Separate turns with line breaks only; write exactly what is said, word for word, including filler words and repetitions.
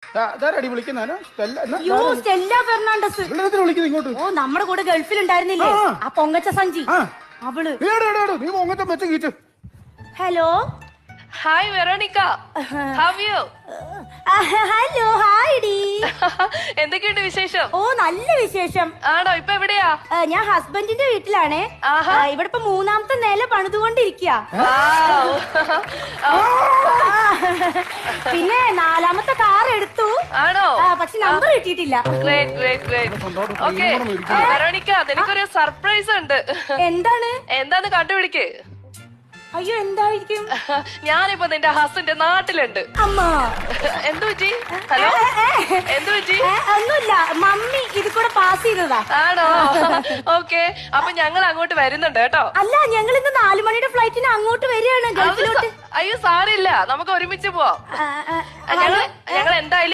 അതാരടി വിളിക്കുന്നോ?
യോ Stella Fernandez
വിളിക്കുന്നത് ഇങ്ങോട്ട്.
ഓ നമ്മുടെ കൂടെ ഗൾഫിൽ ഉണ്ടായിരുന്നില്ലേ ആ പൊങ്ങച്ച സഞ്ചി അവള്.
നീ പൊങ്ങച്ച മെച്ച കീച്ചു.
Hello
hi Veronica, how you?
Hello hi ഡി.
എന്തൊക്കെയുണ്ട് വിശേഷം?
ഓ നല്ല വിശേഷം.
ആണോ? ഇപ്പൊ എവിടെയാ?
ഞാൻ ഹസ്ബൻഡിന്റെ വീട്ടിലാണേ. ഇവിടെ ഇപ്പൊ മൂന്നാമത്തെ നില പണിതുകൊണ്ടിരിക്കുക. പിന്നെ നാലാമത്തെ കാർ എടുത്തു.
ആണോ?
പക്ഷെ നമ്പർ കിട്ടിയിട്ടില്ല.
Great great great. Okay Veronica, നിനക്കൊരു സർപ്രൈസ് ഉണ്ട്.
എന്താണ്?
എന്താന്ന് കണ്ടുപിടിക്ക്.
അയ്യോ എന്തായിരിക്കും?
ഞാനിപ്പോ നിന്റെ ഹസ്ബൻഡ് നാട്ടിലുണ്ട്.
അമ്മ
എന്തു പറ്റി? ഹലോ എന്തു പറ്റി?
ഒന്നുമില്ല, മമ്മി ഇത് കൂടെ പാസ് ചെയ്തതാ.
ആണോ? ഓക്കെ, അപ്പൊ ഞങ്ങൾ അങ്ങോട്ട് വരുന്നുണ്ട് കേട്ടോ.
അല്ല, ഞങ്ങൾ ഇന്ന് നാലു മണിയുടെ ഫ്ലൈറ്റിന് അങ്ങോട്ട് വരികയാണ് ഗൾഫിലോട്ട്.
അയ്യോ സാരില്ല, നമുക്ക് ഒരുമിച്ച് പോവാം. ഞങ്ങൾ ഞങ്ങൾ എന്തായാലും